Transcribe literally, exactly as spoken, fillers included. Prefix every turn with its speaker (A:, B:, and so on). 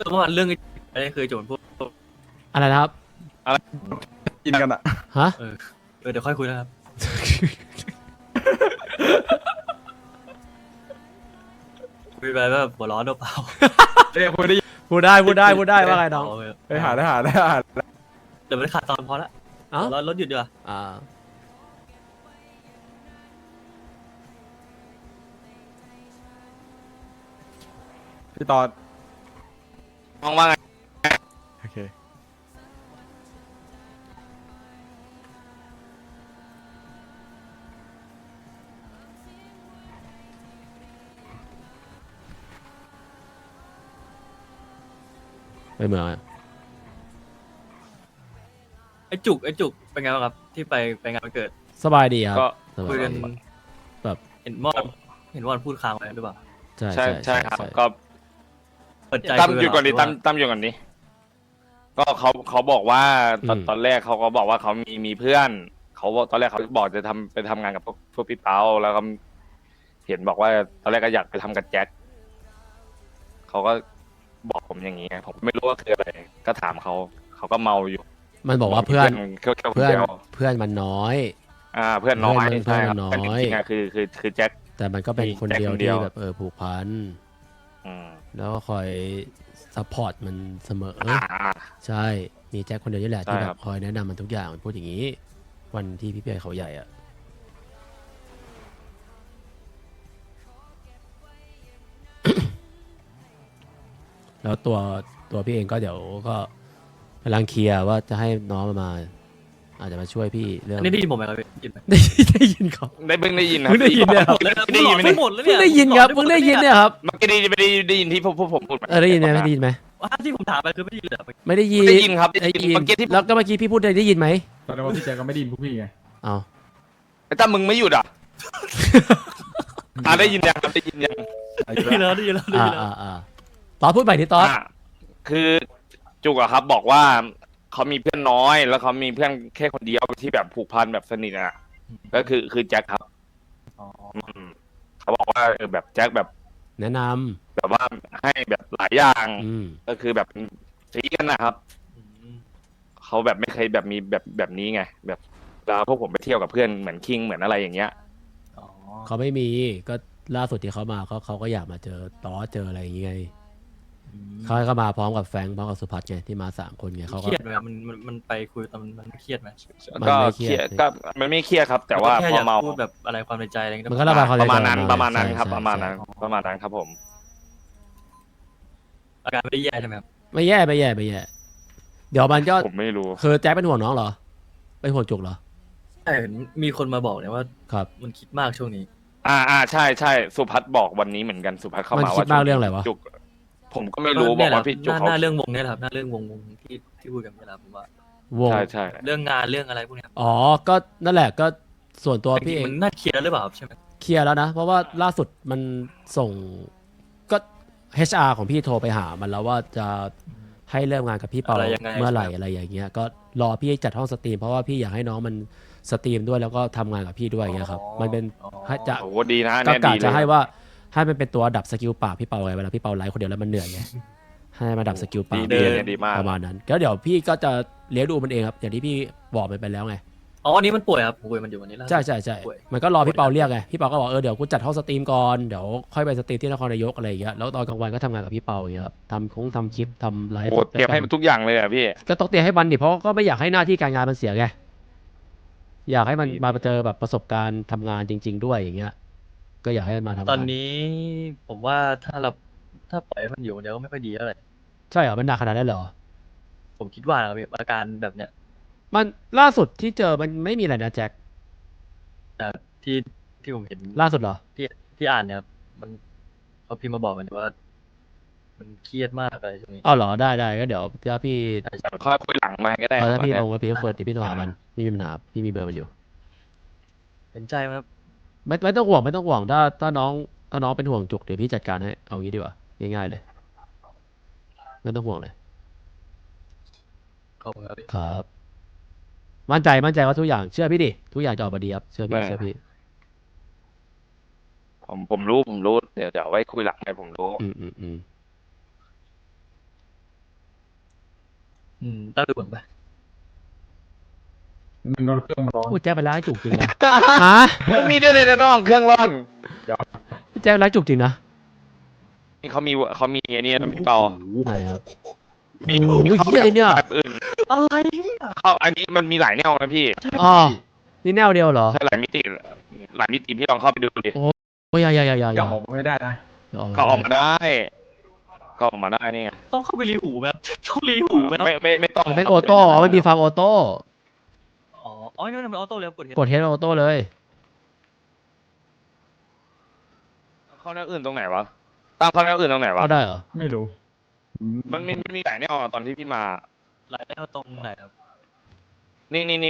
A: เมื่อวานเรื่องอะไรเคยโจนพวก
B: อะไรนะครับ
C: กินกันอะ
B: ฮะ
A: เออเออเดี๋ยวค่อยคุยนะครับคุยไปแบบหัวร้อนหรือเปล่า
C: เอ้ยพูดได้
B: พูดได้พูดได้พูดได้ว่าไงน้อง
C: ไปหาได้หาได้หา
A: เดี๋ยวมันขาดตอนพอละ
B: เอ้า
A: หัวร้อนรถหยุดดีกว่า
B: อ่า
C: พี่ตอน
D: มองว่าไง
C: โอเค
B: ไปเมืองอะ
A: ไอ้จุกไอ้จุกเป็นไงบ้างครับที่ไปไปงานวันเกิด
B: สบายดีครับ
D: ก็
B: สบา
A: คุย
B: ย
A: กัน
B: ดี แบบ
A: เห็นมอนเห็นมอนพูดค้างไว้หรือเปล่า
B: ใช่
D: ใช่ใช่ครับ ก็
A: เปิดใจ
D: ตั้ม
A: คุ
D: อยู่ก่อนดิ
A: เหร
D: ตั้มตั้มอยู่ก่อนดิก็เขาเขาบอกว่าตอน
B: อืม
D: ตอนแรกเขาก็บอกว่าเขามีมีเพื่อนเขาบอกตอนแรกเขาบอกจะทำไปทำงานกับพวกพวกพี่เปาแล้วก็เห็นบอกว่าตอนแรกก็อยากไปทำกับแจ็คเขาก็บอกผมอย่างนี้ไงผมไม่รู้ว่าคืออะไรก็ถามเขาเขาก็เมาอยู่
B: มันบอกว่าเพื่อน
D: เพื่อน
B: เพื่อน
D: เดียว
B: เพื่อนมันน้อย
D: อ่าเพื่อนน้อย
B: เพื่อนมัน
D: ใช่ครับ
B: เพื่อนมันน้อย
D: แต่จริงๆอะคือคือคือแจ็ค
B: แต่มันก็เป็น
D: มี
B: คน
D: แจ็ค
B: เดียว
D: คนเดี
B: ที่
D: ยว
B: แบบเออผูกพัน
D: อืม
B: แล้วก็คอยซัพพอร์ตมันเสมอ
D: อ่า
B: ใช่ มีแจ็คคนเดียวนี่แหละ
D: ใช่
B: ที่แบ
D: ครับ บ
B: คอยแนะนำมันทุกอย่างมันพูดอย่างนี้ วันที่พี่เปียเขาใหญ่อะ แล้วตัวตัวพี่เองก็เดี๋ยวก็กำลังเคลียร์ว่าจะให้น้องมา อาจจะมาช่วยพี่เรื่อง
A: อันนี้ได้ยินผมไหมครับพี่ได้ยินไหม
B: ได้ได้ยินครับ
D: ได้เพิ่งได้ยินนะ
B: เพิ่งได้ยินเนี่ยครับ
D: ได้ยินไหม
A: ไม่
D: เนี่ย
A: หมดแล้ว
B: เพิ่
A: เนี่
B: ง
A: ย
B: ได้ยินครับเพิ่งได้ยินเนี่ยครับ
D: เมื่อกี้ได้ไม่ได้ได้ยินที่พวกพวกผมพูดห
B: เออได้ยินไหมไม่ได้ยินไหม
A: ว่าที่ผมถามไปคือไม่ได้ยินเหรอ
B: ไม่ได้ยิน
D: ได้ยินครับได้
B: ได้
D: ยิน
B: ยิน
D: เมื่อกี้ที่
B: แล้วก็เมื่อกี้พี่พูดได้ได้ยินไหม
C: ตอนนั้นว่าพี่แจ็คก็ไม่ไดยินพวกพี่ไง
B: เอา
D: ไอ้ตั้มมึงไม่หยุดอ่ะ อ่าได้ยินยังครับได้ยินยัง
C: ไอ้
A: ได้ยินแล้วได้ยินแล้วได้
B: อ่า
A: ยินแล้ว
B: อ่าอ่าตอนพูดใหม่ดิตอน
D: อ่าคือจุกอะครับ บอกว่าเขามีเพื่อนน้อย แล้วเขามีเพื่อนแค่คนเดียวที่แบบผูกพันแบบสนิทอ่ะก็คือคือแจ็คครับ
A: อ๋อ
D: อืมเขาบอกว่าเออแบบแจ็คแบบ
B: แนะน
D: แบบว่าให้แบบหลายอย่าง
B: ำอืม
D: ก็คือแบบซีกันนะครับ
A: อืม
D: เขาแบบไม่เคยแบบมีแบบแบบนี้ไง แบบเวลาพวกผมไปเที่ยวกับเพื่อนเหมือนคิงเหมือนอะไรอย่างเงี้ย
A: อ๋อ
B: เขาไม่มีก็ล่าสุดที่เขามาเขาเขาก็อยากมาเจอตอเจออะไรอย่างเงี้ย
A: อืม
B: เขาก็มาพร้อมกับแฟรงค์พร้อมกับสุพัฒน์ไงที่มาสามคนไงเขา
A: เค
B: ก็
A: รียดไหมครับมันมันมันไปคุยตอนมันมันเครียดไหม
B: มัน
D: ก็
B: ไม่เค
D: เค
B: รี
D: รี
B: ย
D: ย
B: ด
D: ดก็มันไม่เครียดครับ แต่ว่า
A: แค่
D: พ
A: อ
D: อย
A: าก
D: เมา
A: พูดแบบอะไรความในใจอะไรเงี้ย
B: มันก็ระบายความใน
D: ประ
B: ใจ
D: มาณนั้น
B: ออก
D: ประมาณนั้น
B: ใช่
D: ครับ
B: ใช่
D: ประมาณนั้น
B: ใช่
D: ประมาณนั้นครับผม
A: อาการไม่ได้แย่ใช่ไหมครับ
B: ไม่แย่ไม่แย่ไม่แย่เดี๋ยวมันก็
D: ผมไม่รู้
B: คือแจ็คเป็นห่วงน้องเหรอเป็นห่วงจุกเหรอ
A: ใช่เห็นมีคนมาบอกเนี่ยว่า
B: ครับ
A: มันคิดมากช่วงนี้
D: อ่าอ่าใช่ใช่สุพัฒน์บอกวันนี้เหมือนกันสุพัฒน์เข้า
B: มัน
D: มา
B: คิด
D: ว่า
B: มากเรื่องอะไรวะ
D: จุกผมก็ไม่รู้บอกว่าพี่จุก
A: หน้า
D: เขา
A: หน้าเรื่องวงเนี่ยแหละครับหน้าเรื่องวงวงที่ที่พูดกันเวลาผมว่าว
B: ง
D: ใช่ใช่
A: เรื่องงานเรื่องอะไรพวกเนี้ยครับ
B: อ๋อก็นั่นแหละก็ส่วนตัวพี่เอง
A: มันน่าเคลียร์แล้วหรือเปล่าครับใช่ไหม
B: เคลียร์แล้วนะ เพราะว่าล่าสุดมันส่งก็ เอช อาร์ ของพี่โทรไปหามันแล้วว่าจะให้เริ่มงานกับพี่เปา
A: อะไรยังไง
B: เมื่อไหร่อะไรอย่างเงี้ยก็รอพี่จัดห้องสตรีมเพราะว่าพี่อยากให้น้องมันสตรีมด้วยแล้วก็ทำงานกับพี่ด้วยอย่างเงี้ยครับมันเป็น
A: อ๋อ
B: ให้จะ
D: โอ้โหดีนะ
B: ก็
D: เนี่ย
B: กะ
D: ดีเลย
B: จะให้ว่าให้มันเป็นตัวดับสกิลปากพี่เปาไงเวลาพี่เปาไลฟ์คนเดียวแล้วมันเหนื่อยไงให้มาดับสกิลปา
D: ดี
B: ก
D: ดีเนี่ยดีมาก
B: ประมาณนั้นก็เดี๋ยวพี่ก็จะเลี้ยงดูมันเองครับอย่างที่พี่บอกมันไปแล้วไง
A: อ๋ออันนี้มันป่วยครับผมคุยมันอยู่วันนี้แล้ว
B: ใช่ใช่ใช่
A: ป่วย
B: มันก็รอพี่เปาเรียกไงพี่เปาก็บอกเออเดี๋ยวกูจัดห้องสตรีมก่อนเดี๋ยวค่อยไปสตรีมที่นครนายกอะไรอย่างเงี้ยแล้วตอนกลางวันก็ทำงานกับพี่เปาอย่างเงี้ยครับทำคงทำคลิปทำไลฟ์
D: โอ้โหเตรียมให้มันทุกอย่างเลยอ่ะพี่
B: ก็ต้องเตรียมให้มันดิเพราะก็ไม่อยากให้หน้าที่การงานมันเสียไงอยากให้มัน
D: ดี
B: มาเจอแบบประสบการณ์ทำงานจริง ๆ ด้วยอย่างเงี้ยก็อยากให้มันมาทำงาน
A: ตอนนี้ผมว่าถ้าเราถ้าปล่อยให้มันอยู่คนเดียวก็ไม่ค่อยดีเท่าไหร่
B: ใช่เหรอมันหนักขนาดนั้นเหรอ
A: ผมคิดว่านะครับพี่อาการแบบเนี้ย
B: มันล่าสุดที่เจอมันไม่มีอะไรนะแจ็ค
A: แต่ที่ที่ผมเห็น
B: ล่าสุดเหรอ
A: ที่ที่อ่านเนี่ยครับมันเขาพิมพ์มาบอกมันว่า มันเครียดมากอะไรช่วงนี้
B: อ้าวเหรอได้ได้ก็เดี๋ยวถ้าพี่
D: ค่อยคุยหลังมาก็ได้
B: เออถ้าพี่
D: ค
B: ล
D: รับ
B: งว่าพี่เฟิร์สพี่โทรหามันพี่มีปัญหาพี่มีเบอร์มันอยู่
A: เห็นใจไหมครับ
B: ไม่ไม่ต้องห่วงไม่ต้องห่วงถ้าถ้าน้องถ้าน้องเป็นห่วงจุกเดี๋ยวพี่จัดการให้เอางี้ดีกว่าง่ายๆเลยไม่ต้องห่วงเลย
A: ขอบคุณครับพี่
B: ครับ มั่นใจมั่นใจว่าทุกอย่างเชื่อพี่ดิทุกอย่างจะออกมาดีครับเชื่อพี่
D: ไม่
B: เชื่อพี่
D: ผมผมรู้ผมรู้เดี๋ยวเดี๋ยวไว้คุยหลังไงผมรู้
B: อืมอืมอืม
A: อืมตั้งดูเหมือนปะ
C: มันโดนเครื่องมันร้อน
B: พูดแจ๊คไปร้านจุกจริงนะฮะ
D: มันมีด้วยในน้องเครื่องร่อน
B: พูดแจ๊คไปร้านจุกจริงนะ
D: นี่เขามีเขามีไอ้นี่นะพี่เปา
B: ไหนครับ
D: มี
B: โอ้โหเหี้ยอะไรเนี่ย
D: แบบอื่น
A: อะไรเนี่ย
D: เขาอันนี้มันมีหลายแนวนะพี่
B: อ๋อนี่แนวเดียวเหรอ
D: ใช่หลายมิติหลายมิติพี่ลองเข้าไปดูดิ
B: โอ้ยอย่าอย่าอย่าอย่าอ
C: ยั
B: ย่าง
C: ออกไม่ได้นะ
B: อย่า
D: เขาออกมาได้เขาออกมาได้นี่ไง
A: ต้องเข้าไปรีหูแบบต้องรีหูไหม
D: ไม่ไม่ไม่ต้อง
B: มันเป็นออโต้อ๋อมันมีฟาร์มออโต้
A: อ๋ออ๋อนี่มันเป็นออโต้เลยกดเห็น
B: กดเฮดออโต้เลย
D: เข้าแนวอื่นตรงไหนวะตั้งเข้าแนวอื่นตรงไหนวะ
B: เอาได้เหรอ
C: ไม่รู้
D: มันมีมันมีหลายแนวอะตอนที่พี่มา
A: หลายแนวตรงไหนครับ
D: นี่นี่นี่